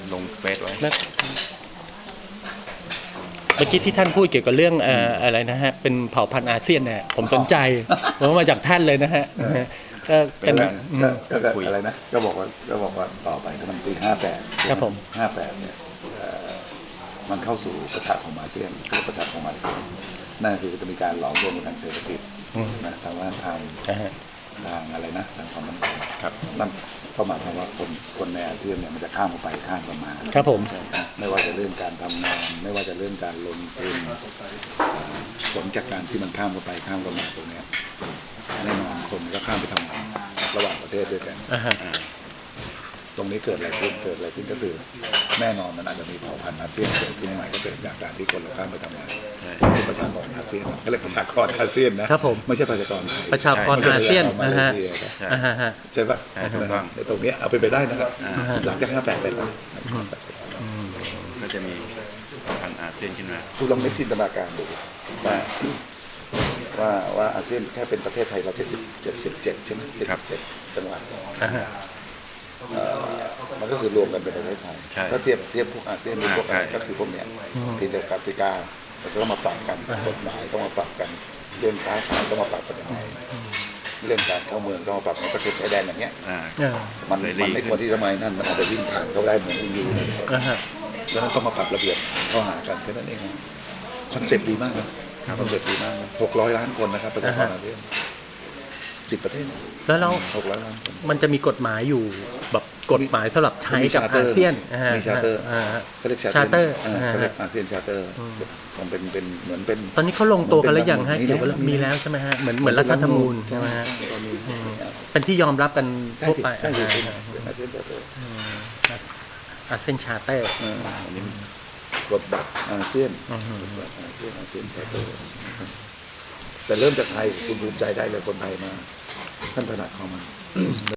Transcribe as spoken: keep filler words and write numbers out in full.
ลงเฟซไว้เมื่อกี้ที่ท่านพูดเกี่ยวกับเรื่องอะไรนะฮะเป็นเผ่าพันธุ์อาเซียนเนี่ยผมสนใจผมมาจากท่านเลยนะฮะก็เป็นก็อะไรนะก็บอกว่าก็บอกว่าต่อไปก็มันปีห้าแปดครับผมห้าแปดเนี่ยมันเข้าสู่ประชาคมอาเซียนคือประชาคมอาเซียนนั่นคือจะมีการหลอมรวมทางเศรษฐกิจนะทางว่าทางทางอะไรนะทางความมั่นคงครับนั่นก็หมายความว่าคนคนในอาเซียนเนี่ยมันจะข้ามเข้าไปข้ามเข้ามาครับผมไม่ว่าจะเรื่องการทำงานไม่ว่าจะเรื่องการลงทุนผลจากการที่มันข้ามเข้าไปข้ามเข้ามาตรงนี้แน่นอนคนก็ข้ามไปทำงานระหว่างประเทศด้วยกันตรงนี้เกิดอะไรขึ้นเกิดอะไรขึ้นก็คือแน่นอนมันอาจจะมีเผ่าพันธุ์อาเซียนเกิดขึ้นใหม่ก็เกิดจากการที่คนเราข้ามไปทำงานที่ประชากรอาเซียนก็เรียกประชากรอาเซียนนะครับผมไม่ใช่ประชากรไทยประชากรอาเซียนนะฮะใช่ปะตรงนี้เอาไปไปได้นะครับหลังจากห้าแปดไปแล้วก็จะมีพันธุ์อาเซียนขึ้นมาคุณลองนึกจินตนาการดูว่าว่าว่าอาเซียนแค่เป็นประเทศไทยเราแค่สิบเจ็ดสิบเจ็ดใช่ไหมสิบเจ็ดจังหวัดมันก็คือรวมกันเป็นประเทศไทยถ้าเทียบเทียบพวกอาเซียนพวกอะไรก็คือพวกเนี้ยที่เดียวกับกติกาเราต้องมาปรับกันกฎหมายต้องมาปรับกันเรื่องค้าขายต้องมาปรับกันยังไงเรื่องการเข้าเมืองต้องมาปรับในประเทศชายแดนอย่างเงี้ยมันมันไม่ควรที่ทำไมนั่นมันอาจจะวิ่งผ่านเขาได้เหมือนอยู่แล้วนั้นต้องมาปรับระเบียบข้อหากันแค่นั้นเองคอนเซ็ปต์ดีมากนะคอนเซ็ปต์ดีมากหกร้อยล้านคนนะครับประชากรอาเซียนสิบประเทศแล้วเราหกร้อยล้านคนมันจะมีกฎหมายอยู่แบบกฎหมายสำหรับใช้กับอาเซียนมีชาร์เตอร์เขาเรียกชาร์เตอร์เขาเรียกอาเซียนชาร์เตอร์มันเป็นเป็นเหมือนเป็นตอนนี้เขาลงตัวกันแล้วยังฮะเกี่ยวกับมีแล้วใช่ไหมฮะเหมือนเหมือนรัฐธรรมนูญใช่ไหมฮะเป็นที่ยอมรับกันทั่วไปอาเซียนชาร์เตอร์อาเซียนชาร์เตอร์กฎบัตรอาเซียนอาเซียนอาเซียนชาร์เตอร์แต่เริ่มจากไทยคุณภูมิใจได้เลยคนไทยมาท่านถนัดเข้ามา